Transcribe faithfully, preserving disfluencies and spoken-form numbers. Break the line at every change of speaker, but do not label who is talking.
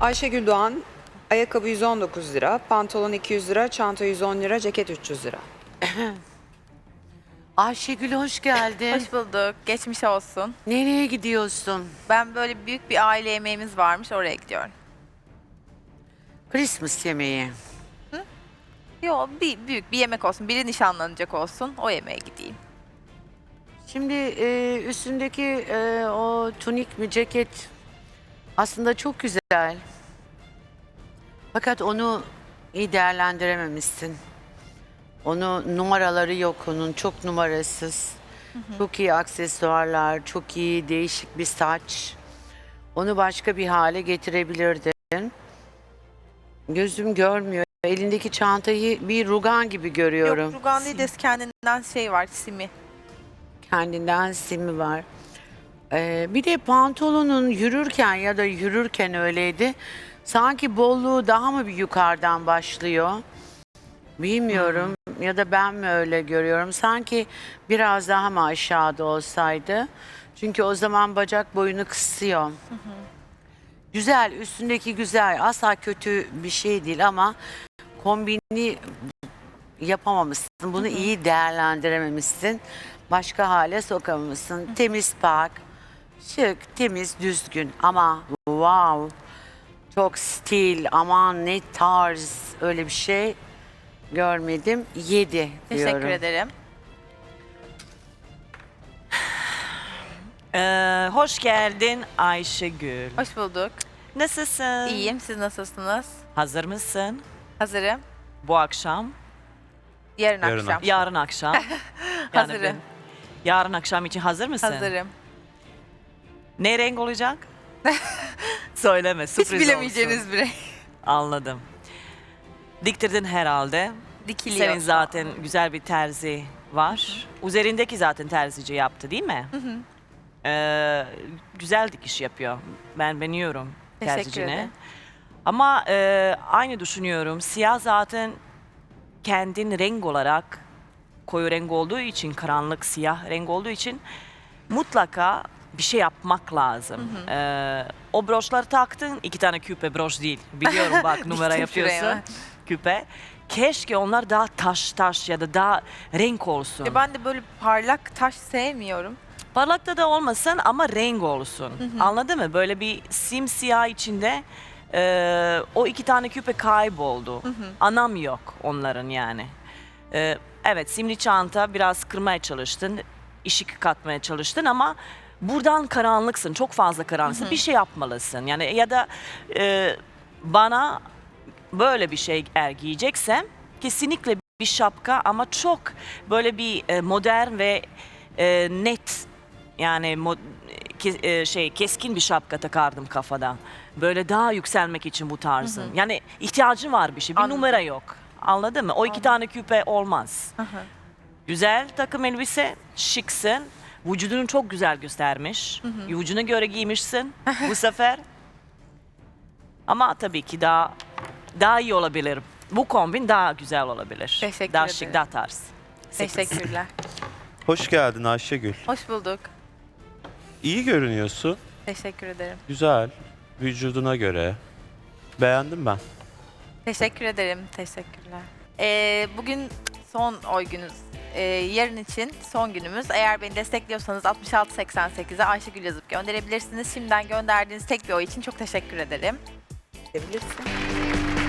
Ayşegül Doğan, ayakkabı yüz on dokuz lira, pantolon iki yüz lira, çanta yüz on lira, ceket üç yüz lira.
Ayşegül hoş geldin.
Hoş bulduk. Geçmiş olsun.
Nereye gidiyorsun?
Ben böyle büyük bir aile yemeğimiz varmış, oraya gidiyorum.
Christmas yemeği.
Yo, bir büyük bir yemek olsun. Biri nişanlanacak olsun. O yemeğe gideyim.
Şimdi e, üstündeki e, o tunik mi ceket aslında çok güzel. Fakat onu iyi değerlendirememişsin. Onu numaraları yok onun, çok numarasız. Hı hı. Çok iyi aksesuarlar, çok iyi değişik bir saç. Onu başka bir hale getirebilirdin. Gözüm görmüyor. Elindeki çantayı bir rugan gibi görüyorum.
Yok, rugan değil de kendinden şey var, simi.
Kendinden simi var. Ee, bir de pantolonun yürürken ya da yürürken öyleydi. Sanki bolluğu daha mı bir yukarıdan başlıyor? Bilmiyorum. Hı-hı. Ya da ben mi öyle görüyorum? Sanki biraz daha mı aşağıda olsaydı? Çünkü o zaman bacak boyunu kısıyor. Hı-hı. Güzel, üstündeki güzel. Asla kötü bir şey değil ama kombini yapamamışsın. Bunu Hı-hı. iyi değerlendirememişsin. Başka hale sokamamışsın. Hı-hı. Temiz pak, şık, temiz, düzgün ama wow, çok stil, aman ne tarz, öyle bir şey görmedim. Yedi diyorum.
Teşekkür ederim.
Ee, hoş geldin Ayşegül.
Hoş bulduk.
Nasılsın?
İyiyim. Siz nasılsınız?
Hazır mısın
Hazırım.
bu akşam?
Yarın,
Yarın
akşam.
akşam.
Yarın akşam. Yani
Hazırım.
ben- yarın akşam için hazır mısın?
Hazırım.
Ne renk olacak? Söyleme,
Hiç
sürpriz
bilemeyeceğiniz
olsun.
bir renk.
Anladım. Diktirdin herhalde.
Dikiliyor.
Senin zaten güzel bir terzi var. Hı hı. Üzerindeki zaten terzici yaptı değil mi? Hı hı. Ee, güzel dikiş yapıyor. Ben beğeniyorum
Teşekkür
terzicini.
ederim.
Ama e, aynı düşünüyorum. Siyah zaten kendin renk olarak koyu renk olduğu için, karanlık siyah renk olduğu için mutlaka bir şey yapmak lazım. Hı hı. Ee, o broşları taktın, iki tane küpe, broş değil. Biliyorum bak numara
Diktim
yapıyorsun.
şuraya.
Küpe. Keşke onlar daha taş taş ya da daha renk olsun.
Ya ben de böyle parlak taş sevmiyorum.
Parlakta da olmasın ama renk olsun.
Hı hı.
Anladın mı? Böyle bir simsiyah içinde e, o iki tane küpe kayboldu.
Hı hı.
Anam yok onların yani. E, evet, simli çanta biraz kırmaya çalıştın. Işık katmaya çalıştın ama buradan karanlıksın. Çok fazla karanlıksın.
Hı hı.
Bir şey yapmalısın. Yani ya da e, bana böyle bir şey eğer giyeceksem kesinlikle bir şapka ama çok böyle bir e, modern ve e, net, yani mo- ke- e, şey keskin bir şapka takardım kafada. Böyle daha yükselmek için bu tarzın.
Hı hı.
Yani ihtiyacın var bir şey. Bir
Anladım.
numara yok. Anladın mı? O iki
Anladım.
tane küpe olmaz.
Hı hı.
Güzel takım elbise, şıksın. Vücudunu çok güzel göstermiş.
Hı hı.
Vücuduna göre giymişsin bu sefer. Ama tabii ki daha daha iyi olabilir. Bu kombin daha güzel olabilir.
Teşekkür
daha
ederim.
şık, daha tarz. Sekiz.
Teşekkürler.
Hoş geldin Ayşegül.
Hoş bulduk.
İyi görünüyorsun.
Teşekkür ederim.
Güzel. Vücuduna göre. Beğendim ben.
Teşekkür ederim. Teşekkürler. Ee, bugün son oy günümüz. Ee, yarın için son günümüz. Eğer beni destekliyorsanız altmış altı seksen sekize Ayşegül yazıp gönderebilirsiniz. Şimdiden gönderdiğiniz tek bir oy için çok teşekkür ederim. Gidebilirsin.